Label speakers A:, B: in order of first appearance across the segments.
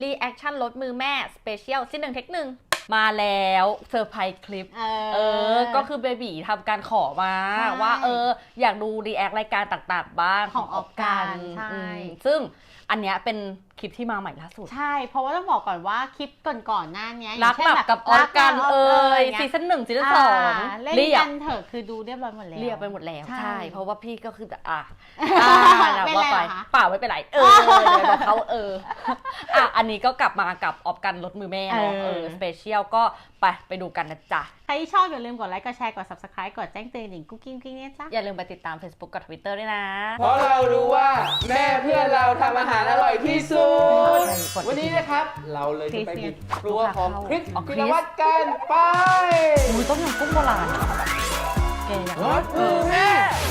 A: รีแอคชั่นรถมือแม่สเปเชียล1 เทค 1มาแล้วเซอร์ไพรส์คลิปก็คือเบบีทำการขอมาว่าอยากดูรีแอครายการต่างๆบ้าง
B: ของออกกันใช่
A: ซึ่งอันเนี้ยเป็นคลิปที่มาใหม่ล่าสุด
B: ใช่เพราะว่าต้องบอกก่อนว่าคลิปก่อนหน้านี้
A: รักแบบกับออกกันซีซั่น1ซีซั่น2
B: เล่นกันเถอะคือดูเรียบร้อยหมดแล้ว
A: เรียบไปหมดแล้วใช่เพราะว่าพี่ก็คือ
B: ไม่ว่า
A: ไปเปล่าไม่เป็นไรบอกเขาอันนี้ก็กลับมากับออกกันรถมือแม่เนาะสเปเชียลก็ไปดูกันนะจ๊ะ
B: ใครที่ชอบอย่าลืมกดไลค์กดแชร์กด Subscribe กดแจ้งเตือนหนิงกุ๊กกิ๊งเนี่ยจ้ะ
A: อย่าลืมไปติดตาม Facebook กับ Twitter ด้วยนะ
C: เพราะเรารู้ว่าแม่เพื่อนเราทำอาหารอร่อยที่สุดวันนี้นะครับเราเลยจะไปบุกครัวของคริสพิรวัตรกันไป
A: ต้มยำกุ้งโบราณ
C: รถมือแม่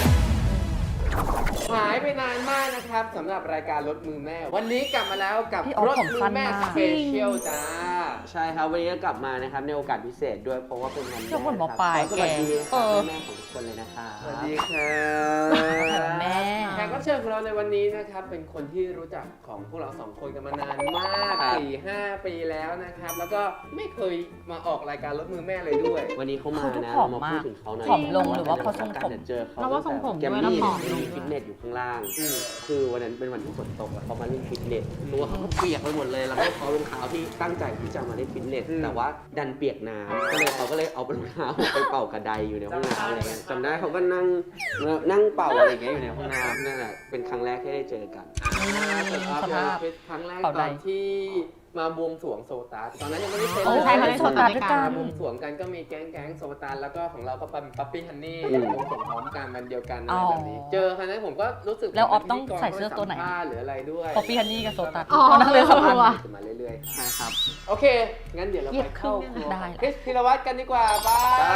C: หายไปนานมากนะครับสำหรับรายการรถมือแม่วันนี้กลับมาแล้วกับรถมือแม่สเปเชียลจ้าใช่ครับวันนี้กลับมานะครับในโอกาสพิเศษด้วยเพราะว่าเป็นวันแม่ครับสวัสดีแม่ของทุกคนเลยนะครับสวัสดีครับ
A: แม่
C: แขกรับเชิญของเราในวันนี้นะครับเป็นคนที่รู้จักของพวกเรา2 คนกันมานานมาก 4-5 ปีแล้วนะครับแล้วก็ไม่เคยมาออกรายการรถมือแม่เลยด้วยวันนี้เขามานะเรามาพูดถึงเขาหน่อย
A: ผอมลงหรือว่าเพราะทรงผม
C: เจอเขา
B: ว่าทรงผม
C: แกมมี่มีฟิตเนสอยู่ข้างล่างคือวันนั้นเป็นวันที่ฝนตกเขามาเล่นฟิตเนสตัวเขาก็เปียกไปหมดเลยแล้วก็เขารองเท้าที่ตั้งใจที่จะมาเล่นฟิตเนสแต่ว่าดันเปียกน้ำก็เลยเอารองเท้าไปเป่ากระไดอยู่ในห้องน้ำอะไรเงี้ยจำได้เขาก็นั่งเป่าอะไรเงี้ยอยู่ในห้องน้ำนั่นแหละเป็นครั้งแรกที่ได้เจอกัน
A: สภาพ
C: ครั้งแรกตอนที่มาบวงสรวงโซตัสตอนนั้นยังไม่ได้เซ็น
A: ใช่เขาได้โซตัสด้วยกัน
C: บวงสรวงกันก็มีแก๊งโซตัสแล้วก็ของเราก็เป็นปั๊ปปี้ฮันนี่บวงสรวงพร้อมกันวันเดียวกันอะไรแบบนี้เจอครั้งนั้นผมก็รู้สึก
A: แล้วออฟต้องใส่เสื้อตัวไหน
C: หรืออะไรด้วย
A: ปั๊ปปี้ฮันนี่กับโซตัส
B: นั่งเรือสำคัญ
C: มาเรื่อยๆใช่ครับโอเคงั้นเดี๋ยวเราไปเข้าครัวคริสพิรวัตรกันดีกว่าไป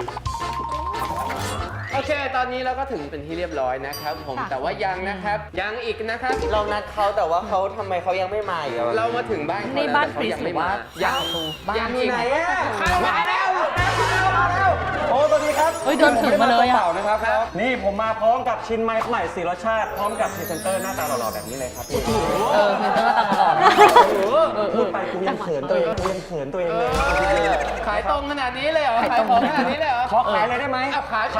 C: โอเคตอนนี้เราก็ถึงเป็นที่เรียบร้อยนะครับผมแต่ว่ายังนะครับยังอีกนะครับเรานัดเขาแต่ว่าเขาทำไมเขายังไม่มาอีกเรามาถึงบ้าน
A: ในบ้านคริสหรือว่า
C: ยังอยู่ไหนอ่ะมาแล้ว
D: โอ้สวัสดีครับ
A: เดินถึงมาเลยอ่ะ
D: นะครับนี่ผมมาพร้อมกับชิ้นไม้ใหม่4 รสชาติพร้อมกับพรีเซนเตอร์หน้าตาหล่อๆแบบนี้เลยครับ
A: พรีเซนเตอร์หน้าตาหล่อ
D: พูดไปกูยังเขินตัวเองเลย
C: ขายตรงขนาดนี้เลยเหรอขายของขนาดนี้เลยเหรอ
D: ขอขายเลยได้ไหม
C: ขาย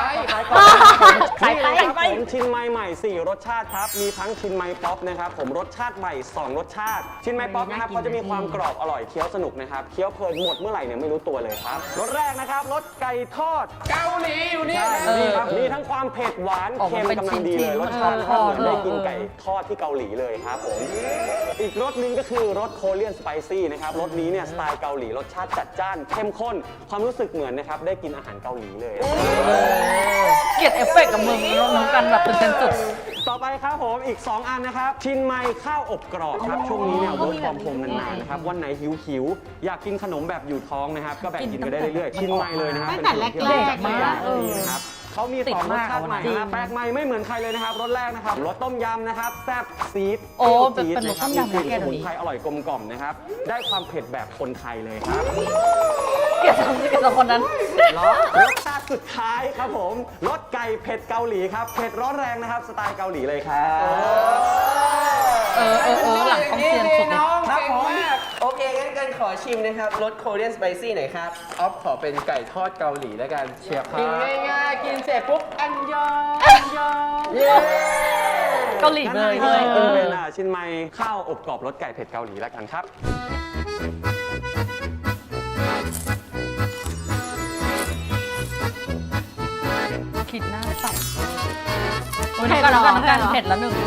D: ไปผมชิ้นไม้ใหม่4 รสชาติครับมีทั้งชิ้นไม้ป๊อปนะครับผมรสชาติใหม่2 รสชาติชิ้นไม้ป๊อปนะครับเขาจะมีความกรอบอร่อยเคี้ยวสนุกนะครับเคี้ยวเพลินหมดเมื่อไหร่เนี่ยไม่รู้ตัวเลยครับรสแรกนะครับรสไก่ทอด
C: เกาหลีอยู่นี่
D: ครับมีทั้งความเผ็ดหวานเค็มกำลังดีเลยรสชาติเหมือนได้กินไก่ทอดที่เกาหลีเลยครับผมอีกรสนึงก็คือรสโคเรียนสไปซี่นะครับรสนี้เนี่ยสไตล์เกาหลีรสชาติจัดจ้านเข้มข้นความรู้สึกเหมือนนะครับได้กินอาหารเกาหลีเลย
A: เกลียดเอฟเฟกต์กับมึงน้องกันแบบเป็นเซนสุด
D: ต่อไปครับผมอีก2 อันนะครับชิ้นไม้ข้าวอบกรอบครับช่วงนี้เนี่ยเวิร์คฟอร์มโฮมนานๆนะครับวันไหนหิวอยากกินขนมแบบอยู่ท้องนะครับก็แบ่งกินไปได้เรื่อยๆชิ้นไม้เลยนะครับ
B: เป็นขนมที่แรก
D: มากนะครับเขามี2 รสชาติใหม่แปลกใหม่ไม่เหมือนใครเลยนะครับรสแรกนะครับรสต้มยำนะครับแซ่บซีด
A: เป็นรสต้มยำ
D: กลิ่นสมุนไพรอร่อยกลมกล่อมนะครับได้ความเผ็ดแบบคนไทยเลยครับ
A: เกลียดสองคนนั้น
D: รสชาติสุดท้ายครับผมรสไก่เผ็ดเกาหลีครับเผ็ดร้อนแรงนะครับสไตล์เกาหลีเลยครับ
A: หลังต้องเซียนสุดเลย
C: ครับผมโอเคงั้นกันขอชิมนะครับรสโคเรียนสไปซี่หน่อยครับออฟขอเป็นไก่ทอดเกาหลีแล้วกันเชียร์กินง่ายๆกินเสร็จปุ๊บอันยอง
A: เกาหลีเลย
D: เป็นชิ้นไม้ข้าวอบกรอบรสไก่เผ็ดเกาหลีแล้วกันครับ
A: คิดหน้าสับน้ำกันเผ็ดแล้วหนึ่ง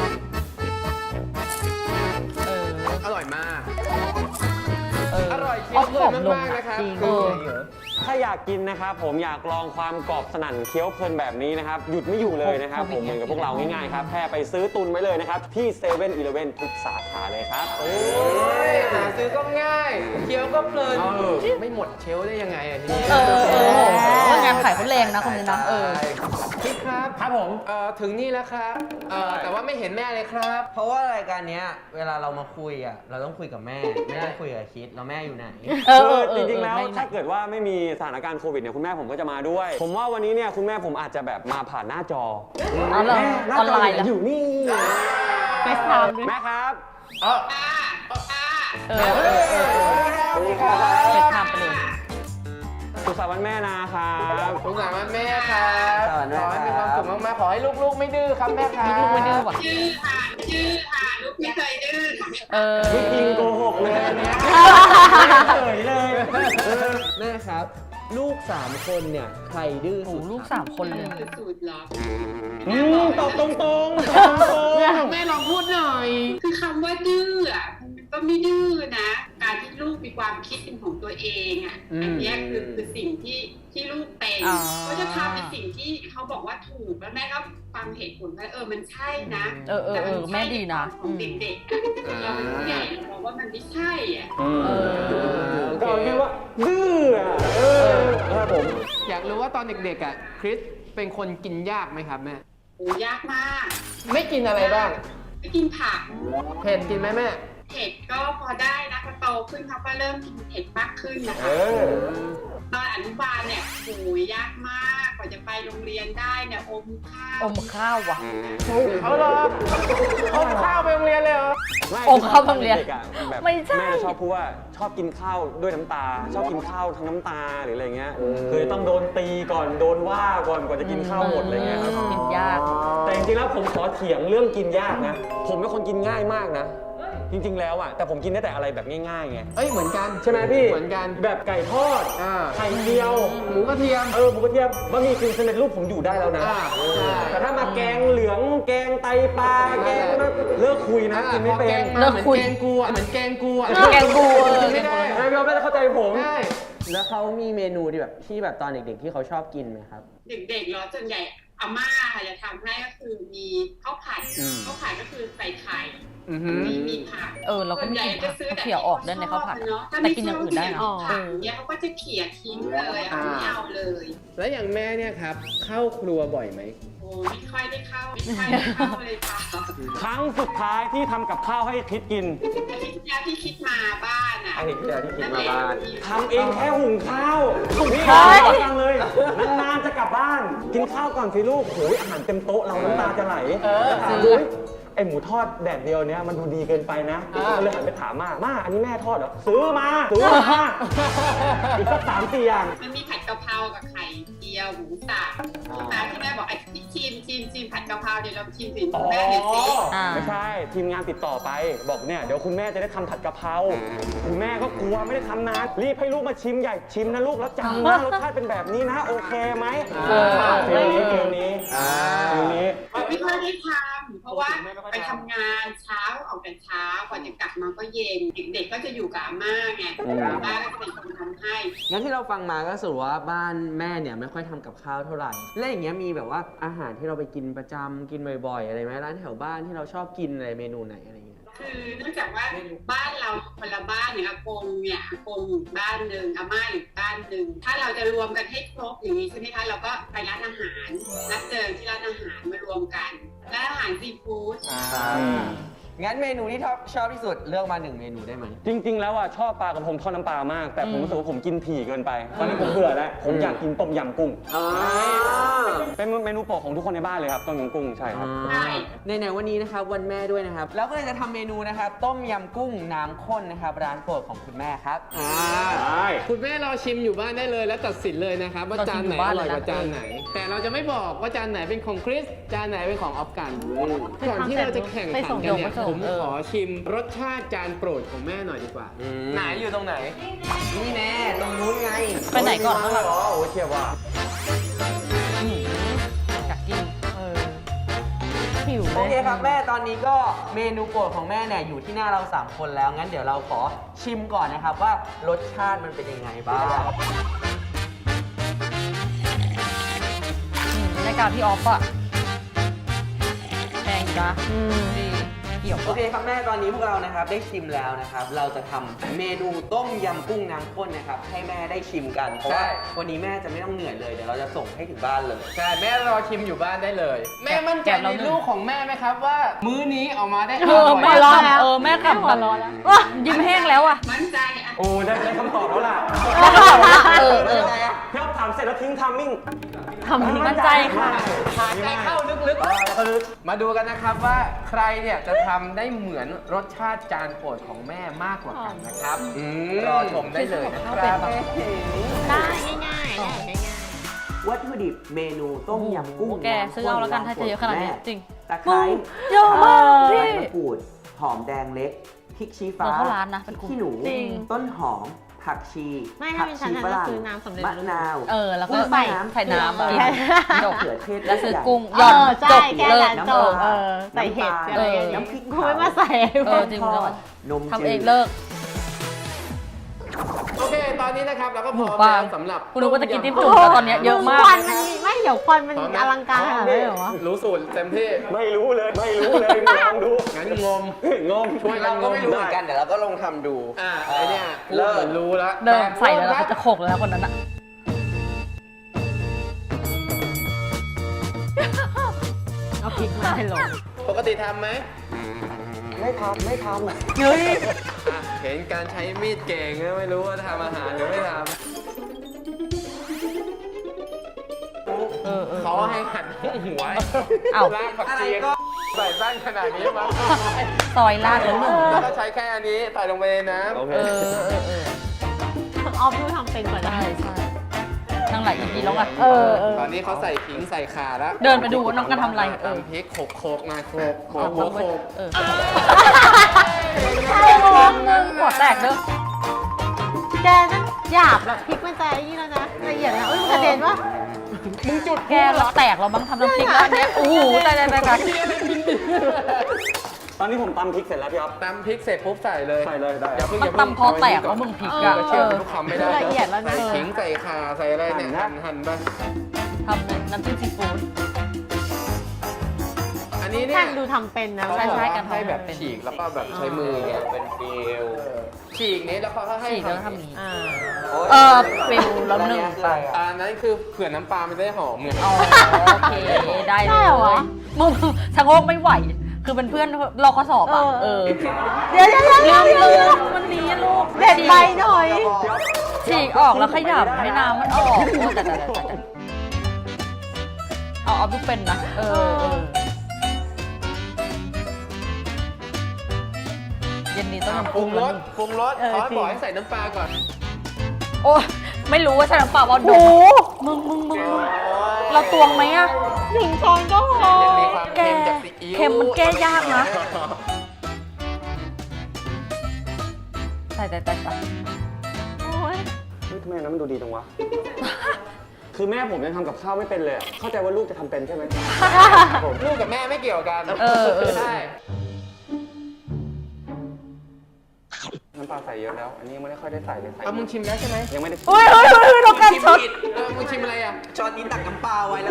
C: อร่อยมากอร่อยเคี้ยวเพลินมากๆนะครับ
D: ถ้าอยากกินนะครับผมอยากลองความกรอบสนั่นเคี้ยวเพลินแบบนี้นะครับหยุดไม่อยู่เลยนะครับผมเหมือนกับพวกเราง่ายๆครับแค่ไปซื้อตุนไว้เลยนะครับที่7-Eleven ทุกสาขาเลยครับ
C: หาซื้อก็ง่ายเคี้ยวก็เพลินไม่หมดเชลได้ยังไงอ่ะนี่
A: งานขายเขาแรงนะคนนี้นะ
C: พี่ครับผมถึงนี่แล้วครับแต่ว่าไม่เห็นแม่เลยครับเพราะว่ารายการนี้เวลาเรามาคุยอ่ะเราต้องคุยกับแม่ไม่ได้คุยกับคิดแล้วแม่อยู่ไหน
D: จริงๆแล้วถ้าเกิดว่าไม่มีสถานการณ์โควิดเนี่ยคุณแม่ผมก็จะมาด้วยผมว่าวันนี้เนี่ยคุณแม่ผมอาจจะแบบมาผ่านหน้าจอ
A: ออนไลน์
D: อยู่นี่
B: ไปถามด้วย
D: แม่ครับ
C: สวัสดีครับ
A: เช็คทำไปเลย
D: สุขสันต์วันแม่นะครับ
E: สงสารวันแม่ครับ
C: สวัสดี
E: ข
C: ครับ
E: อให้มีความสุขมากๆขอให้ลูกๆไม่ดื้อครับแม่ครับ
A: ลูกไม่ดื้อว่ะ
F: ชื่อค่ะลูกไม่เคยดื้อค่ะ
D: ไม่จริงโกหกเลยอันเนี้ยเฉยเลย
C: แม่ครับ ลูก 3 คนเนี่ย ใครดื้อ
A: โอ้
C: สุด
A: ลูก
C: ครับ
A: 3 คนเลย
F: สูตรเหรอ
D: ตอบตรงๆ
E: แม่ลองพูดหน่อย
F: คือคำว่าดื้ออ่ะมันก็ไม่ดื้อนะ การที่ลูกมีความคิดเป็นของตัวเองอ่ะ อันเนี้ยคือสิ่งที่ลูกเป็น
A: อ๋อ
F: เขาจะทำในสิ่งที่เขาบอกว่าถูกแล้วแม่ก็ฟังเหตุผลว่ามันใช่นะ แต่มัน
A: แม่ดีนะ
F: ของเด็กๆอะเราเป็นผู้ใหญ่เราบอกว่ามันไม่ใช่อ่ะ
D: ก็เอาแค่ว่าดื้ออะครับผม
E: อยากรู้ว่าตอนเด็กๆอ่ะคริสเป็นคนกินยากไหมครับแม่
F: โอ้ยากมาก
E: ไม่กินอะไรบ้าง
F: ไปกินผัก
E: เผ็ดกินไหมแม่
F: เผ็ดก็พอได้นะพอโตขึ้นเขาก็เริ่มกินเผ็ดมากขึ้นนะคะ ตอนอนุบาลเนี่ยโหยยากมากกว่าจะไปโรงเรียนได้เนี่ยอมข้าว
A: อมข้าวว่ะ
E: เอาเหรอเอาข้าวไปโรงเรียนเลยเหรอ
A: อมข้าวโรงเรียน
D: ด็กอะแบบ
A: ไม่ใช่
D: แม่จะชอบพูดว่าชอบกินข้าวด้วยน้ำตา ชอบกินข้าวทั้งน้ำตาหรืออะไรเงี้ยคือต้องโดนตีก่อนโดนว่าก่อนกว่าจะกินข้าวหมดอะไรเงี้ยครับ
A: กินยาก
D: แต่จริงๆแล้วผมขอเถียงเรื่องกินยากนะ ผมเป็นคนกินง่ายมากนะ จริงๆแล้วอ่ะแต่ผมกินได้แต่อะไรแบบง่ายๆไง
E: เอ้ยเหมือนกัน
D: ใช่ไหมพี่
E: เหมือนกัน
D: แบบไก่ทอด
E: อ่า
D: ไข่เจียว
E: หมูกระเทียม
D: หมูกระเทียมบะหมี่กึ่งสำเร็จรูปผมอยู่ได้แล้วนะ
E: อ่าใช่
D: แต่ถ้ามาแกงเหลืองแกงไตปลาแกงเลิกคุยนะกินไม่เป็น
E: เหมือนแกงกูอ่ะเหมือนแกงกูอ่ะ
A: แกงกู
E: กินไม่ได้
D: ไม่พี่อ๊อฟน่าจะเข้าใจผม
E: ใช่
C: แล้วเขามีเมนูที่แบบตอนเด็กๆที่เขาชอบกินไหมครับ
F: เด็กๆเหรอส่วนใหญ่อาม่าค่ะจะทำให้ก็คือมีข้าวผัดข้าวผัดก็คือใส่ไข่
E: อือหือ
F: มีผัก
A: เราก็ไม่กินผักเขี่ยออกได้ในข้าวผัด
F: ถ้า
A: แต่
F: ไม่
A: กินอย่างอื่นได้นะ
F: ชอบผักเนี่ยเขาก็จะเขี่ยทิ้งเลยอะไม่เอาเลย
E: แล้วอย่างแม่เนี่ยครับ เข้าครัวบ่อยไหม
F: โอ้ไม่ค่อยได้เข้าเลยค่ะ
D: ครั้งสุดท้ายที่ทำกับข้าวให้คิดกิน
F: อาทิตย์ที่แล้วที่คิดมาบ้านอ่ะ
C: อาทิตย์ที่แล้วที่คิดมาบ้าน
D: ทำเองแค่หุงข้าวนี่
A: ใช่
D: ฟังเลยนานๆจะกลับบ้าน กินข้าวก่อนสิลูกโอ้ยอาหารเต็มโต๊ะเราน้ำตาจะไหลถามดูไอหมูทอดแดดเดียวเนี้ยมันดูดีเกินไปนะก็เลยหันไปถามม่าอันนี้แม่ทอดเหรอซื้อมาอีกสัก3-4 อย่าง
F: มันมีผัดกะเพรากับไข่เจียวหมูสับตามที่แม่บอกไอ้ที่ชิมผัดกะเพราเดี๋ยวเราชิมสิ
D: อ๋อ
F: แม่เห็นสิ
D: ไม่ใช่ทีมงานติดต่อไปบอกเนี่ยเดี๋ยวคุณแม่จะได้ทำผัดกะเพราคุณแม่ก็กลัวไม่ได้ทำนานรีบให้ลูกมาชิมใหญ่ชิมนะลูกแล้วจำนะรสชาติเป็นแบบนี้นะโอเคไหมฟิลนี้
F: ไม่ค่อยได้ทำเพราะว่าไปทำงานเช้าออกแต่เช้ากว่าจะกลับมาก็เย็นเด็กๆก็จะอยู่กับอาม่าไงอาม่าก็จะเป็นคนทำให้
C: งั้นที่เราฟังมาก็สรุปว่าบ้านแม่เนี่ยไม่ค่อยทำกับข้าวเท่าไหร่ แล้วอย่างเงี้ยมีแบบว่าอาหารที่เราไปกินประจำกินบ่อยๆอะไรไหมร้านแถวบ้านที่เราชอบกินอะไรเมนูไหนอะไรเงี้ย
F: คือเนื่องจากว่าบ้านเราคนละบ้านเนี่ยอากงอยู่บ้านหนึ่งอาม่าอยู่บ้านหนึ่งถ้าเราจะรวมกันให้ครบอย่างนี้ใช่ไหมคะเราก็ไปร้านอาหารนัดเจอที่ร้านอาหารมารวมกันร้านอาหารซีฟู้ด
C: งั้นเมนูที่ชอบที่สุดเลือกมา1เมนูได้ไหม
D: จริง ๆ แล้วอ่ะชอบปลากระพงทอดน้ำปลามาก แต่ผมรู้สึกว่าผมกินถี่เกินไป ตอนนี้ผมเบื่อแล้ว ผมอยากกินต้มยำกุ้ง เป็นเมนูโปรดของทุกคนในบ้านเลยครับต้มยำกุ้งใช่ครับ
F: ใช่
C: ในวันนี้นะครับวันแม่ด้วยนะครับแล้วก็เลยจะทำเมนูนะครับต้มยำกุ้งน้ำข้นนะครับร้านโปรดของคุณแม่ครับ
E: คุณแม่รอชิมอยู่บ้านได้เลยแล้วตัดสินเลยนะครับว่าจานไหนอร่อยกว่าจานไหน แต่เราจะไม่บอกว่าจานไหนเป็นของคริสจานไหนเป็นของออฟกันก่อนที่เราจะแข่งขันกันเนี่ยผมขอชิมรสชาติจานโปรดของแม่หน่อยดีกว่า ไหนอยู่ตรงไหน
C: นี่แน่ตรงนู้นไง
A: ไปไหนก่อนข้างหลัง
C: โอ้เชียบว่ะ
A: อยากกินหิว
C: โอเคครับแม่ตอนนี้ก็เมนูโปรดของแม่เนี่ยอยู่ที่หน้าเรา3คนแล้วงั้นเดี๋ยวเราขอชิมก่อนนะครับว่ารสชาติมันเป็นยังไงบ้าง
A: ในการพี่ออฟอะแพงอยู่นะดีเกี่ยว
C: โอเคครับแม่ตอนนี้พวกเรานะครับได้ชิมแล้วนะครับเราจะทำเมนูต้มยำกุ้งน้ำข้นนะครับให้แม่ได้ชิมกันเพราะว่าวันนี้แม่จะไม่ต้องเหนื่อยเลยเดี๋ยวเราจะส่งให้ถึงบ้านเลย
E: ใช่แม่รอชิมอยู่บ้านได้เลย แม่มั่นใจในลูกของแม่ไหมครับว่า มื้อนี้ออกมาได้อร่อย
A: แม่รอแล้วแม่กลับมายิ้มแห้งแล้วอะ
F: มั่นใจอ่ะ
D: โอ้ได้คำตอบแล้วล่ะ
A: ได้ข่าวว่า
D: พี่อ๊อฟถามเสร็จแล้วทิ้งทามมิ่ง
A: มั่นใจค่ะ
E: หายใจเข้าลึกๆมาดูกันนะครับว่าใครเนี่ยจะทำได้เหมือนรสชาติจานโปรดของแม่มากกว่ากันนะครับรอชมได้เลยนะครับ
B: ได้ง่ายๆได้ง่าย
C: วัตถุดิบเมนูต้มยำกุ้ง
A: โอ้โหแกซื้อเอาแล้วกันถ้าจะเยอะขนาดนี้จริง
C: ตะไคร้
A: เยอะมากพี่
C: ใบมะกรูดหอมแดงเล็กพริกชี้ฟ้า
A: เหมือนเข้าร้านนะ
C: พริกขี้หนู
A: จริง
C: ต้นหอมผักชี
B: ไม่ถ้าเป็นฉัน
C: ฝ
B: น่ะ
C: รั่ง
B: ซื้อน้ำสำเร็จ
C: มะ
B: รูป
C: นาว
A: แล้วก็
C: ใส่
A: ใส่น้ำ
C: ใส่
A: กินจบ
C: มะเขือเทศ
A: แล้วซื้อกุ้ง
B: ๆ
A: หย่อน
B: ใช่
A: จบ
B: แค่
A: เลิก
B: นั้นจบใส่เห็ดอะไรอย่างงี้
C: น้ำพริก
B: กูไม่มาใส่
A: จริงแล้ว
C: นม
A: ทำ
C: จื
A: เอง
C: ด
A: เลิก
E: โอเค ตอนนี้นะครับเราก็พร้อม
A: หมูปลา
E: แล้วสำหรับ
A: คุณรู้ว่าจะกินจิ้มจุ่มแล้วตอนเนี้ยเยอะมาก
B: ควันมันมีไม่เดี๋ยวควันมันอลังการขนาดนั้นเลยเหรอวะ
E: รู้สูตรเต็มที่
D: ไม่รู้เลยมาลองดู
E: งั้นงม
D: งง
E: ช่วยกัน
C: เราก็
E: งม
C: ไม่รู้เหมือนกันเดี๋ยวเราก็ลองทำดู
E: ไอเนี่ยพูดเหมือนรู้แล้ว
A: เดินใส่แล้ว
E: ค
A: เขา
E: รับ
A: จะโขกแล้วคนนั้นอะ
B: เอาพริกมาให้ลง
E: ปกติทำไหม
D: ไม่ทำ
A: เฮ้ย
E: อ่ะเห็นการใช้มีดเก่งนะไม่รู้ว่าทำอาหารหรือไม่ทำเขาให้หั่นหัว
A: เอ้า
E: ลากผักชีใส่บ้านขนาดนี้มา
A: ซอยลาดแล้วหนึ่ง
E: แล้วก็ใช้แค่อันนี้ใส่ลงไปในน้ำ
D: โอเค
A: เออ
B: ออฟดูทำเป็นกว่าได้
A: ใช่นั่งหลายอีพีแล้วอะ
E: ตอนนี้เขาใส่ขิงใส่ข่าแล้ว
A: เดินไปดูว่าน้องกันทำอะไร
E: ตำพริกโขกมาโขก
A: เอา
E: หัว
A: ไป
E: โขก
A: ใช่มองนึงหัวแตกเด้อ
B: แกนั่นหยาบแบบพริกมันจะไอ้นี่แล้วนะละเอียดนะเอ้ยมันกระเด็นวะ
A: มึงจุดแกแล้วแตกเราบ้างทำน้ำพริกแล้วอันเนี้ยโอ้โหตาย
D: ตอนนี้ผมตำพริกเสร็จแล้วพี่อ๊อฟ
E: ตำพริกเสร็จปุ๊บใส่เลย
D: ใส่เลยได้
E: อย่าเพิ่ง
A: มันตำพอแตกแล้วมึงพริกอะ
E: เชื่อทุกคำไม่ได้
B: ละเอียดแล้วนะ
E: ใส่ขิงใส่ข่าใส่อะไรเนี่ยหั่นไป
A: ทำน้ำจิ้มซีฟู้ด
E: อันนี้เนี่
B: ท่าย นดูทำเป็นนะ
A: ใช่ๆกัน
E: ให้แบบฉีกแล้วก็แบบใช้มือเนี่ย
C: เป็นฟิล
E: ฉีกนี้แล้วเขาก็ให้
A: ฉีกแล้วทำอย่างนี้
B: อ่า
A: ฟิลแล้วหนึ่ง
E: อันนั้นคือเผื่อน้ำปลามันจะได้หอมไง
A: อ๋อโอเคได้เล
B: ได้เหรอวะ
A: ยมึงชะโงกไม่ไหว คือเป็นเพื่อนเราข้อสอบอ่ะ
B: เดี๋ยว
A: ลืมมันนี้ลูก
B: เด็ดใบหน่อย
A: ฉีกออกแล้วขยำให้น้ำมันออกโอ้แต่เอาดูเป็นนะเย็นนี้ต้องทำ
E: ปรุ
A: กุ้
E: ง
A: ง
E: ร
A: แล้ว
E: สปรุงรสเขาให้บอกให้ใส่น้ำปลาก่อน
A: โอ้ไม่รู้ว่าใช่น้ำเปล่าว่าดูมึงเราตวงไหมอะ
B: 1 ช้อนก็พอ
E: ยังมีความเค็มจากซีอิ๊ว
A: เค็มมันแก้ยากนะ ใส่
B: โอ้ย
D: เฮ้ยทำไมอันนั้นมันดูดีจังวะ คือแม่ผมยังทำกับข้าวไม่เป็นเลยอะเข้าใจว่าลูกจะทำเป็นใช่ไหม
E: ลูกกับแม่ไม่เกี่ยวกัน ใช่
D: น้ำปลาใส่เยอะแล้ว อันนี้ยังไม่ได้ค่อยได้ใส่เลยใส่
E: เอามึงชิมแล้วใช่ไหม
D: ยังไม่ได้
A: เฮ้ยเราการช็อต
E: มึงชิมอะไรอ่ะ
C: ช้อนนี้ตักน้ำปลาไว้แล้ว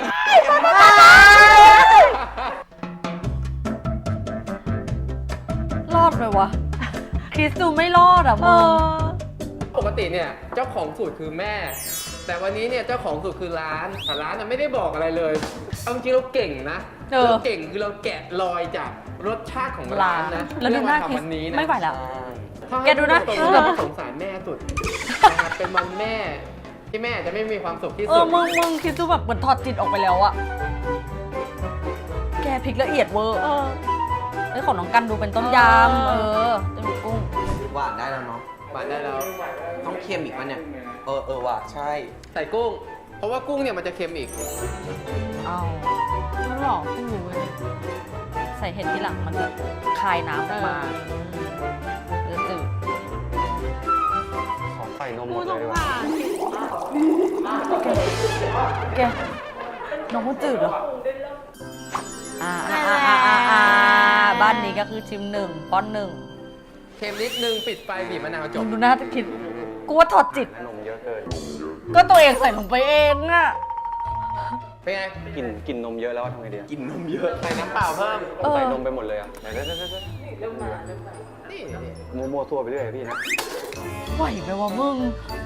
A: รอดไหมวะ คริสดูไม่รอดอ่ะมึง
E: ปกติเนี่ยเจ้าของสูตรคือแม่ แต่วันนี้เนี่ยเจ้าของสูตรคือร้านแต่ร้านน่ะไม่ได้บอกอะไรเลยเอาจริงๆเราเก่งนะเราเก่งคือเราแกะรอยจากรสชาติของร้านนะ
A: แล้วดูหน้าคริส
E: วันนี้นะ
A: ไม่ไหวแล้ว
E: ถ้าให้
A: แกดูหน้า
E: ตรง
A: คริส
E: ๆเราสงสารแม่สุดนะครับเป็นวันแม่ที่แม่จะไม่มีความสุขที่สุด
A: มึงคริสดูแบบเหมือนถอดจิตออกไปแล้วอะแกพริกละเอียดเวอร์เอ้ยของน้องกันดูเป็นต้มยำจะมีกุ้ง
C: หวานได้แล้วเนาะ
E: หวานได้แล้ว
C: ต้องเค็มอีกป่ะเนี่ย ว่ะใช่
E: ใส่กุ้ง เพราะว่ากุ้งเนี่ยมันจะเค็มอีก
A: เอา
B: มันหลอกกูรู้เลย
A: ใส่เห็ดที่หลังมันจะคายน้ำออกมาจืด
D: ขอใส่นมหม
B: กู
D: ด
B: ส
D: เลย
B: ง
D: ดีกว่า
B: สาร
A: แกน้องมันจืดเหรอบ้านนี้ก็คือชิม1 ป้อน 1
E: เค็มนิดนึงปิดไฟบีบมะนาวจ
A: มึ
E: บ
A: งดูหน้าจะคิด กูว่าถอดจิต
D: นมเยอะเกิน
A: ก็ตัวเองใส่ลงไปเองอะ
E: เป็นไง
D: กินนมเยอะแล้วทำไงดีอะ
C: กินนมเยอะ
E: ใส่น้ำเปล่าเพิ่ม
D: ใส่นมไปหมดเลยอ่ะไหน
E: นี่
D: มัวทั่วไปเรื่อยพี่นะ
A: ไหวไหมวะมึง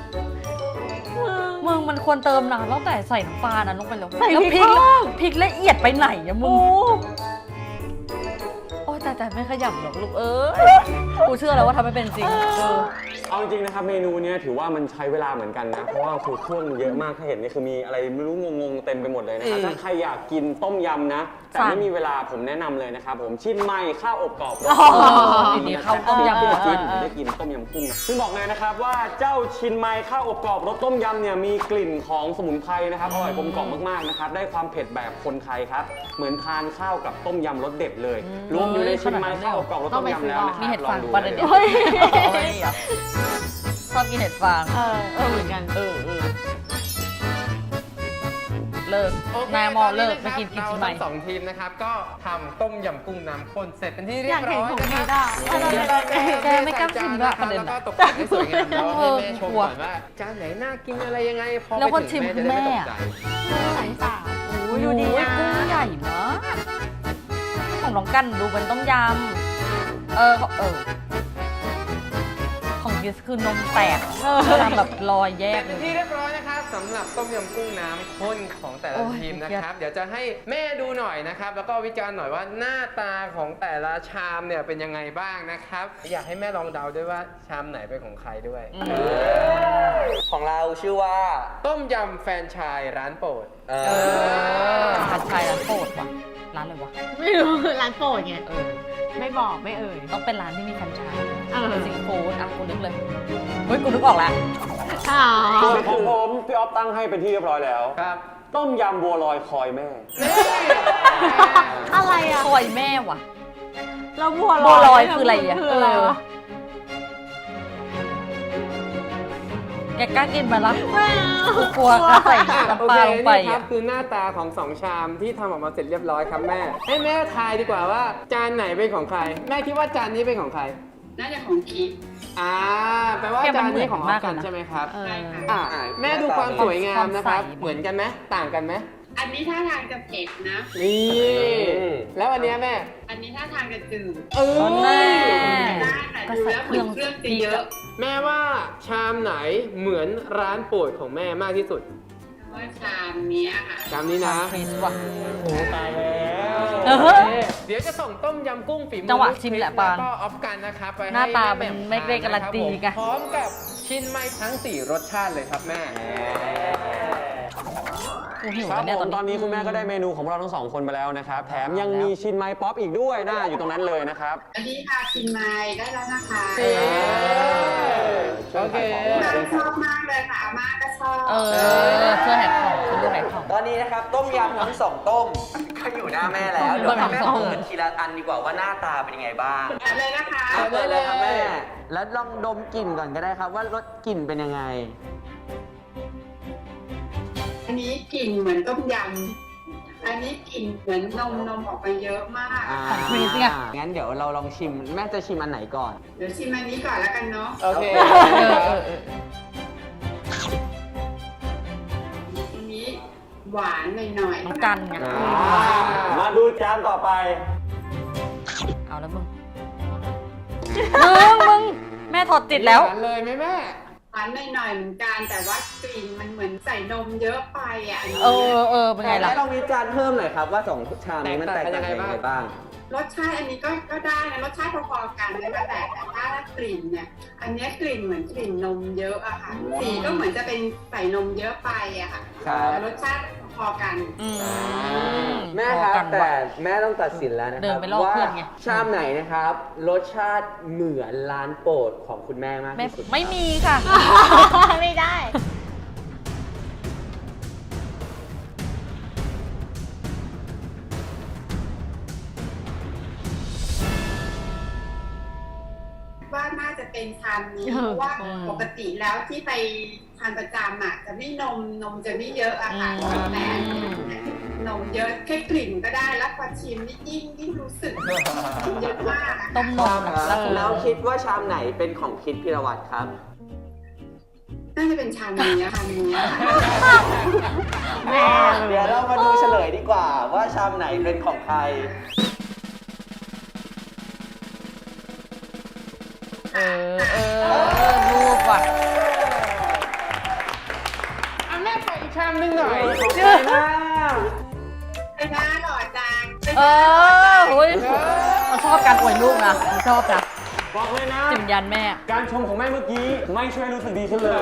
A: มันควรเติมน้ำตั้งแต่ใส่น้ำปลานั้นลงไปแล้ว
B: ใส่
A: แล้ว
B: พริก
A: พริกละเอียดไปไหนอะมึง โอ้ยแต่ไม่ขยับหรอกลูกเอ้ยกูเชื่อแล้วว่าทำไม่เป็นจริง
D: เอาจริงๆนะครับเมนูเนี้ยถือว่ามันใช้เวลาเหมือนกันนะ เพราะว่าคือเครื่องมันเยอะมากถ้าเห็นนี่คือมีอะไรไม่รู้งงๆเต็มไปหมดเลยนะครับถ้าใครอยากกินต้มยำนะ แต่ไม่มีเวลาผมแนะนำเลยนะครับผมชิมไม้ข้าวอบกรอบรส
A: ทีนี้ข้าวต้มยำ
D: ที่จีนผมได้กินต้มยำกุ้งนะซึ่งบอกเลยนะครับว่าเจ้าชินไม้ข้าวอบกรอบรสต้มยำเนี่ยมีกลิ่นของสมุนไพรนะครับอร่อยกลมกล่อมมากๆนะครับได้ความเผ็ดแบบคนไทยครับเหมือนทานข้าวกับต้มยำรสเด็ดเลยรวมอยู่ในชินไม้ข้าวอบกรอบรสต้มยำแล้วนะค
A: มี
D: รับ
A: เห็ด
D: ลอ
A: ฟาง ง
D: ดู
A: ประเด็น
D: เล
A: เดีย
D: ยว
A: ชอบกินเห็ดฟาง
B: เหมือนกัน
A: เลิก
E: โอเคน
A: ายมอเลิก
E: ต
A: ไม่
E: น
A: กิ
E: นี้
A: น
E: นะครับ
A: กินชิมใหม่
E: เราทั้ง2 ทีมนะครับก็ทำต้มยำกุ้งน้ำข้นเสร็จเป็นที่เรียบร้อย
B: อยากเห็นของ
E: นะ
B: พี
E: ค
B: ท
E: รับ
B: อ่ะ
A: แกไม่กล้าชิมด้วยประเด็น
E: แล้ว
A: อะ
E: ก็ตกแต่งให้สวยงามแล้วให้แม่ชม
A: กลัว
E: ก่อนว่าจานไหนน่ากินอะไรยังไงพอ
A: แล้ว
E: ไป
A: คนชิ
E: ถึ
A: ม
E: งแม่จะได้ไม่ตกใจ
B: ไหนสาว
A: โอ้ยดูดีนะกุ้งใหญ่มากของน้องกันดูเป็นต้มยำของกิสคือนมแตกทำแบบรอยแย
E: เสร็
A: ก
E: จ
A: เล
E: เป็น
A: ย
E: ที่เรียบร้อยนะครับสำหรับต้มยำกุ้งน้ำข้นของแต่ละ
A: โอ้ย
E: ทีมนะครับ เดี๋ยวจะให้แม่ดูหน่อยนะครับ แล้วก็วิจารณ์หน่อยว่าหน้าตาของแต่ละชามเนี่ยเป็นยังไงบ้างนะครับ อยากให้แม่ลองเดาด้วยว่าชามไหนเป็นของใครด้วย
C: ของเราชื่อว่า
E: ต้มยำแฟรนไชายร้านโปรด
A: ผัดไทยร้านโปรดว่ะร้านอะไรวะ
B: ไม่รู้ร้านโปรดไง
A: เออ
B: ไม่บอกไม่เอ่ย
A: ต้องเป็นร้านที่มีแฟรนไชส์
B: เออ
A: เป็นสิงคโปร์อ่ะกูนึกเลยเฮ้ยกูนึกออกแล้ว
B: อ๋อ
D: ส่วนของผมพี่ออฟตั้งให้เป็นที่เรียบร้อยแล้ว
E: ครับ
D: ต้มยำบัวลอยคอยแม่
E: นี่
B: อะไรอ่ะ
A: คอยแม่ว่ะ
B: แล้วบัว
A: บัวลอยคืออะไรอ่ะ
B: คืออะไรวะ
A: แกกล้ากินมาละ
B: ไม่เอา
A: กลัวกระใส่
E: โอ
A: น้ำป
E: เค
A: ลาลงไป
E: นี่ครั
A: อ่ะ
E: บคือหน้าตาของ2ชามที่ทำออกมาเสร็จเรียบร้อยครับแม่ ให้แม่ทายดีกว่าว่าจานไหนเป็นของใคร แม่คิดว่าจานนี้เป็นของใคร
F: น่าจะของคิด
E: แปลว่าจานนี้ของออฟกันใช่ไหมครับ
B: เออ
F: ใช่ค่ะ
E: แม่ดูความสวยงามนะครับ เหมือนกันไหมต่างกันไหม
F: อันนี้ท่าทางจะเผ็ดนะ
E: นี่ แล้วอันเนี้ยแม่
F: อันนี้ท่าทางจะจืด
E: เออ
A: แม่
F: ได้แต่ดูแล้วเหมือนเครื่องจะเยอะ
E: แม่ว่าชามไหนเหมือนร้านโปรดของแม่มากที่สุด
F: ว่าชามเนี้ยค่ะ
E: ชามนี้นะ
A: ฟรีซว่ะ
E: โอ้ตายแล้ว
A: เออ
E: โอเคเดี๋ยวจะส่งต้มยำกุ้งฝีมือ
A: จังหวะชิมแหละปาน
E: แล้วก็ออฟกันนะครับไปให้
A: หน้าตา
E: แม่
A: มัน
E: แห
A: ไม่ได้การันตีไง
E: พร้อมกับชิ้นไม้ทั้ง 4 รสชาติเลยครับแม่
A: กูหิว
D: ครับ
A: แล้วเนี่ย
D: ผ
A: ตอน
D: มตอน
A: นี้
D: นี้คุณแม่ก็ได้เมนูของเราทั้งสองคนไปแล้วนะครับ แถมยังมีชินไม้ป๊อปอีกด้วยนะอยู่ตรงนั้นเลยนะครับ
F: อันนี้ค่ะกินไม้ได้แล้วนะคะ
E: โอเค
F: อาม่าชอบมากเลยค่ะอาม่าก็ชอบ
A: เพื่อแหกของคุณดูแหกของ
C: ตอนนี้นะครับต้มยำทั้ง 2 ต้มก็อยู่หน้าแม่แล้ว เดี๋ยวให้แม่เปิดทีละอันดีกว่าว่าหน้าตาเป็นยังไงบ้าง
F: เอาเลยนะคะ
C: เอาเลยเลยครับแม่ แล้วลองดมกลิ่นก่อนก็ได้ครับว่ารสกลิ่นเป็นยังไง
F: อันนี้กลิ่นเหมือนต้มยำ อันนี้กลิ่นเหมือนนมออกไปเยอะมาก
A: ของฟรีซไง
C: งั้นเดี๋ยวเราลองชิม แม่จะชิมอันไหนก่อน
F: เดี๋ยวชิมอันนี้ก่อนแล้วกันเนาะ
E: โอเค
F: อันนี้หวานหน่อย
A: น้องกันไง
D: มาดูจานต่อไป
A: เอาแล้วมึงแม่ถอดจิตแล้ว
E: หานเลยไหมแม่
F: ๆหวานหน่อยๆเหมือนกัน แต่ว่ากลิ่นมันเหมือนใส่นมเยอะไปอ่ะอันนี้
A: เป็นไงล่ะ
C: ลองวิจารณ์เพิ่มหน่อยครับว่า2ชามนี้มันแตกต่างกันยังไงบ้าง
F: รสชาติอันนี้ก็ได้นะ รสชาติพอๆกันนะคะแต่ถ้ากลิ่นเนี่ย อันเนี้ยกลิ่นเหมือนกลิ่นนมเยอะอะค่ะ สีก็เหมือนจะเป็นใส่นมเยอะไปอะค่ะ
C: ครับ
F: แต่รสชาติพอกัน
C: แม่ครับแต่แม่ต้องตัดสินแล้วนะค
A: เดิ
C: รั
A: น
C: บ
A: ไปลอก
C: ว่า
A: เพื่อนไง
C: ชามไหนนะครับ รสชาติเหมือนร้านโปรดของคุณแม่มากที่สุด
A: ไม่มีค่ะ
B: ไม่ได้
F: ว่าน่าจะเป็นชามนี้
B: เออ
F: เพราะว่า
A: อืม
F: ปกติแล้วที่ไปทานประจำอ่ะจะไม่นมจะไม่เยอะอะค่ะ
A: อืม
F: แต่นมเยอะแค่กลิ่นก็ได้แล้วพอชิมนี่ยิ่งรู้สึกเยอะมากอะ
A: ต้มนมล่าสุด
C: แล้วคิดว่าชามไหนเป็นของคิดพิรวัตรครับ
F: น่าจะเป็นชามนี้อะค่ะนี้อะค่ะ
B: แม่
C: เดี๋ยวเรามาดูเฉลยดีกว่าว่าชามไหนเป็นของใคร
A: รูปว่ะ
E: เอาแม่ไปอีกชามนึงหน่อย
F: ไปหน้าหล่อจัง
A: เฮ้ยเราชอบการอวยลูกนะชอบนะ
C: ผ
D: บอกเลยนะ
A: จิมยันแม่
D: การชมของแม่เมื่อกี้ไม่ช่วยรู้สึกดีขึ้นเลย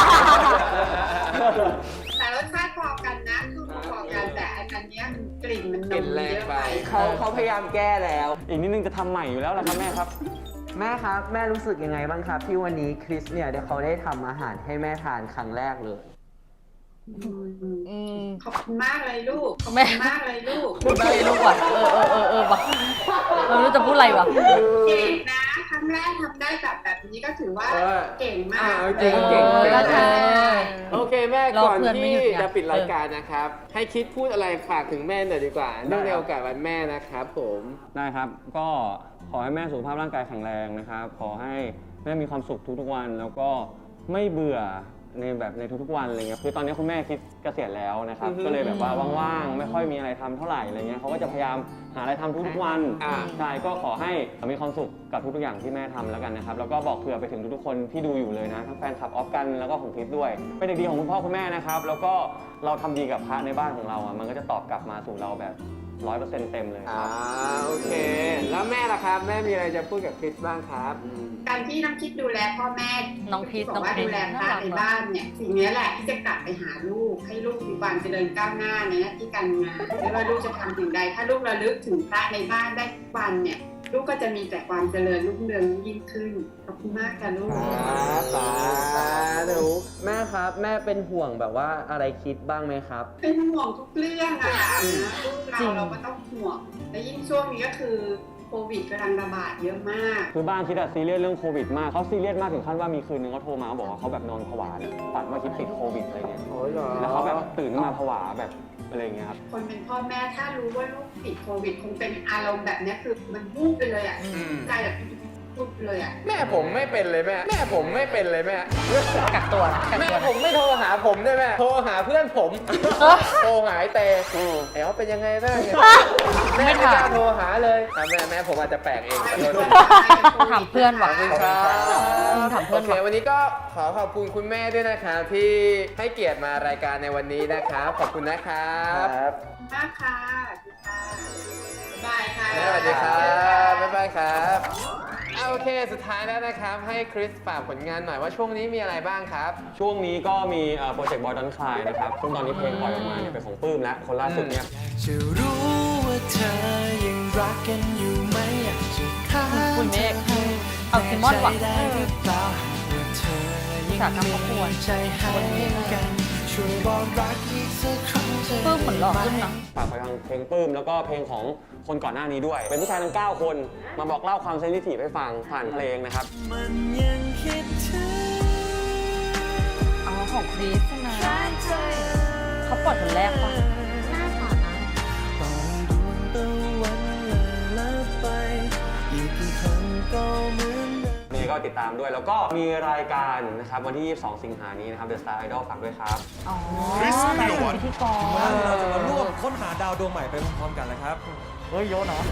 F: แต่รสชาติพอกันนะคือพอกันแต่อันเนี้ยมันกลิ่นมันน
E: กลิ่น
F: ม
E: แรง
F: เยอะ
E: ไป
F: ไป
C: เขาพยายามแก้แล้ว
D: อีกนิดนึงจะทำใหม่อยู่แล้วล่ะครับแม่ครับ
C: แม่ครับ แม่รู้สึกยังไงบ้างครับ ที่วันนี้คริสเนี่ยเดี๋ยวเขาได้ทำอาหารให้แม่ทานครั้งแรกเลย
A: อืม
F: ขอบคุณมากเลยลูก ขอบ
A: แม่
F: คุณมากเลยลูก
A: พูดไม่รู้ว่ะว่ะไม่รู้จะพูดอะไรวะ
F: เก่งนะครั้งแรกทำได้แบบนี้ก็ถือว่าเก่งมาก
E: จริงเก่ง
A: ก็ใช่
E: โอเคแม่
A: รอ
E: ก่อน
A: เพื่อนไม่
E: ที่
A: หยุดไง
E: จะปิดรายการนะครับ ให้คิดพูดอะไรฝากถึงแม่หน่อยดีกว่าเนื่องในโอกาสวันแม่นะครับผม
D: ได้ครับ ก็ขอให้แม่สุขภาพร่างกายแข็งแรงนะครับ ขอให้แม่มีความสุขทุกๆวัน แล้วก็ไม่เบื่อในทุกๆวันอะไรเงี้ย คือตอนนี้คุณแม่คิดเกษียณแล้วนะครับ ก็เลยแบบว่าว่างๆ ไม่ค่อยมีอะไรทำเท่าไหร่อะไรเงี้ยเขาก็จะพยายามหาอะไรทำทุกๆวัน ใช่ ก็ขอให้มีความสุขกับทุกๆอย่างที่แม่ทำแล้วกันนะครับ แล้วก็บอกเผื่อไปถึงทุกๆคนที่ดูอยู่เลยนะ ทั้งแฟนคลับออฟกันแล้วก็ของคริสด้วย เป็นเด็กดีของคุณพ่อคุณแม่นะครับ แล้วก็เราทำดีกับพระในบ้านของเราอ่ะ มันก็จะตอบกลับมาสู่เราแบบ 100% เต็มเลยครับ
E: โอเค แล้วแม่ล่ะครับ แม่มีอะไรจะพูดกับคริสบ้างครับ
F: การที่น้องคิดดูแลพ่อแม่
A: น้องพีช
F: บอกว่า
A: น้องพีช
F: ดูแลพระในบ้านเนี่ยสิ่งนี้แหละที่จะกลับไปหาลูกให้ลูกมีความเจริญก้าวหน้าในหน้าที่การงานไม่ว่าลูกจะทำสิ่งใดถ้าลูกระลึกถึงพระในบ้านได้ทุกวันเนี่ยลูกก็จะมีแต่ความเจริญรุ่งเรืองยิ่งขึ้นขอบคุณมากค่ะลูก
C: สาธุแม่ครับ แม่เป็นห่วงแบบว่าอะไรคิดบ้างไหมครับ
F: เป็นห่วงทุกเรื่องอะค่ะลูก
A: จริง
F: เราก็ต้องห่วงและยิ่งช่วงนี้ก็คือโควิดกำลังระบาดเยอะมาก
D: คือบ้านคิดอะซีเรียสเรื่องโควิดมากเขาซีเรียสมากถึงขั้นว่ามีคืนนึงเขาโทรมาบอกว่าเขาแบบนอนผวาเนี่ยฝันว่าคิดติดโควิดอะไรเงี้ยแล้วเขาแบบตื่นขึ้นมาผวาแบบอะไรเงี้ยครับ
F: คนเป็นพ่อแม่ถ้ารู้ว่าลูกติดโควิดคงเป็นอารมณ์แบบเนี้ยคือมันวูบไปเลยอ่ะใจแบบวูบไปเลยอ่ะ
E: แม่ผมไม่เป็นเลยแม่ แม่ผมไม่เป็นเลยแม่
A: กักตัวกัก
E: แม่
A: ตัว
E: ผมไม่โทรหาผมด้วยแม่ โทรหาเพื่อนผม โทรหาไอ้เตไอ้เขาเป็นยังไงบ้างเนี่ยแม่ไม่กล้าโทรหาเลยแม่ผมอาจจะแปลกเองขอโทษ
A: ถามเพื่อนว่ะ
E: ขอบคุณครับ
A: ถามเพื่
E: โอ
A: อน
E: เค
A: ว่ะ
E: วันนี้ก็ขอขอบคุณคุณแม่ด้วยนะครับที่ให้เกียรติมารายการในวันนี้นะครับ ขอบคุณนะครับ
F: มากค่ะบายค่ะ
E: สวัสดีครับบ๊ายบายครับโอเค สุดท้ายแล้วนะครับ ให้คริสฝากผลงานหน่อยว่าช่วงนี้มีอะไรบ้างครับ
D: ช่วงนี้ก็มีโปรเจกต์บอยดอนคลายนะครับ ซึ่งตอนนี้เพลงปล่อยออกมาเนี่ยเป็นของปื้มและคนล่าสุดเนี่ย
G: จะรู้ว่าเธอยังรักกันอยู่ไหมอยากจะถาม
A: คุณเมฆเอาซิมอนว่ะ
G: ได้หรือเปล่าหากว่าเธอยังมีใจให้กันช่วยบอกรักอีกสักครั้งจะ
A: ปื้มเหมือนหล่อขึ้นนะ
D: ฝากไปทางเพลงปื้มแล้วก็เพลงของคนก่อนหน้านี้ด้วย เป็นผู้ชายทั้ง 9 คน มาบอกเล่าความเซนซิทีฟให้ฟังผ่านเพลงนะครับ
G: มันยังคิดถึง
A: อ๋อของคริสใช่ไหมเขาปล่อยคนแรกปะ
B: น่าสอนนะ
G: ปล่อยดวงตะวันละไปอีกกี่ครั้งก็เหมือนเดิม
D: นี่ก็ติดตามด้วย แล้วก็มีรายการนะครับวันที่ 22 สิงหานี้นะครับ The Star Idol ฝากด้วยครับ
A: อ๋อเป็นพิธีกร
H: เราจะมาร่วมค้นหาดาวดวงใหม่ไปพร้อมๆกันนะครับ
A: เฮ้ยโยนเหรอ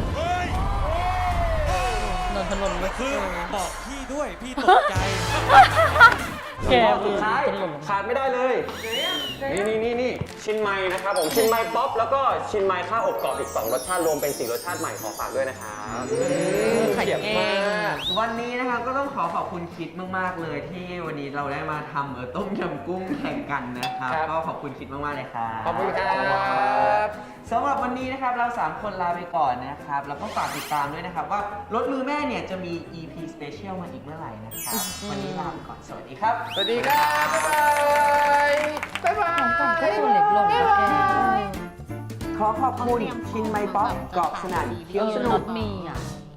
A: นนทนนท์เว้ย
H: คือบอกพี่ด้วย พี่ตกใจ
A: แก
D: แล้วก็สุดท้ายขาดไม่ได้เลย นี่ชินไมนะครับผมชินไมป๊อปแล้วก็ชินไมข้าวอบกรอบอีก 2 รสชาติรวมเป็น 4 รสชาติใหม่ขอฝากด้วยนะครับ
A: ไข่เก่ง
C: วันนี้นะครับก็ต้องขอบคุณคิดมากๆเลยที่วันนี้เราได้มาทำต้มยำกุ้งแข่งกันนะครับ
E: ครับ
C: ก็ขอบคุณคิดมากๆเลยครับ
E: ขอบคุณครับ
C: สำหรับวันนี้นะครับเรา 3 คนลาไปก่อนนะครับแล้วก็ฝากติดตามด้วยนะครับว่ารถมือแม่เนี่ยจะมี EP Special มาอีกเมื่อไหร่นะครับวันนี้ลาไปก่อนสวัสดีครับ
E: สวัสดีครับ บ๊ายบายบ๊ายบาย
A: ก่อนก็ตัวเล็กลงแล้วแก
C: ขอขอบคุณชินไมป๊อปกรอบสนั่นเคี้ยวสนุ
A: ร
C: ก
A: ถมีอ่ะ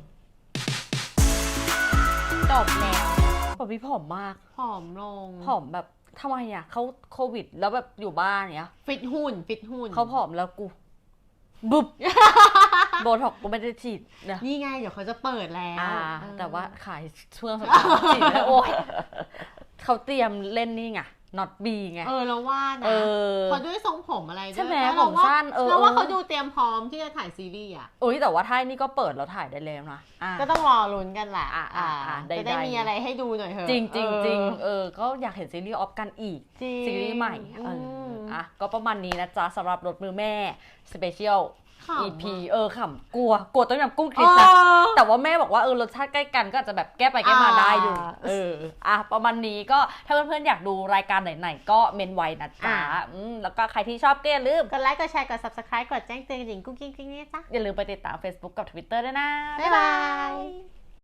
A: จบแล้วปอพี่ผอมมาก
B: ผอมลง
A: ผอมแบบทำไมอ่ะเขาโควิด แล้วแบบอยู่บ้านเนี้ย
B: ฟิตหุ่น
A: เขาผอมแล้วกูบุบ โบท็อกกูไม่ได้ฉีดนะ
B: นี่ไงเดี๋ยวเขาจะเปิดแล้ว
A: แต่ว่าขายช่วงสุดท้ายฉีดแล้วโอ้ยเขาเตรียมเล่นนี่ไง not B ไง
B: เราว่านะ
A: เออ
B: เขาด้วยทรงผมอะไรด้วย
A: ใช่ไหม
B: แล้ว
A: ผมสั้น
B: เราว่าเขาดูเตรียมพร้อมที่จะถ่ายซีรีส์อ่ะ
A: โอ้ยแต่ว่าท้ายนี่ก็เปิดแล้วถ่ายได้แล้วนะอ่ะ
B: ก็ต้องรอลุ้นกันแหละ
A: ได้
B: จะได้มีอะไรให้ดูหน่อยเถอะ
A: จริงจริงจริงก็อยากเห็นซีรีส์ออฟกันอีก
B: จริง
A: ซีรีส์ใหม่
B: อืม
A: ก็ประมาณนี้นะจ๊ะสำหรับรถมือแม่สเปเชียล EP ขำกลัวต้มยำกุ้งคริสนะแต่ว่าแม่บอกว่ารสชาติใกล้กันก็อาจจะแบบแก้ไปแก้มาได้อยู่ประมาณนี้ก็ถ้าเพื่อนๆอยากดูรายการไหนๆก็เมนไว้นะจ๊ะแล้วก็ใครที่ชอบก็อย่าลืม
B: กดไลค์กดแชร์กด subscribe กดแจ้งเตือนหญิงกุ้งกิ้งกิ้งนี่จ้ะ
A: อย่าลืมไปติดตาม Facebook กับ Twitter ด้วยนะ
B: บ๊ายบาย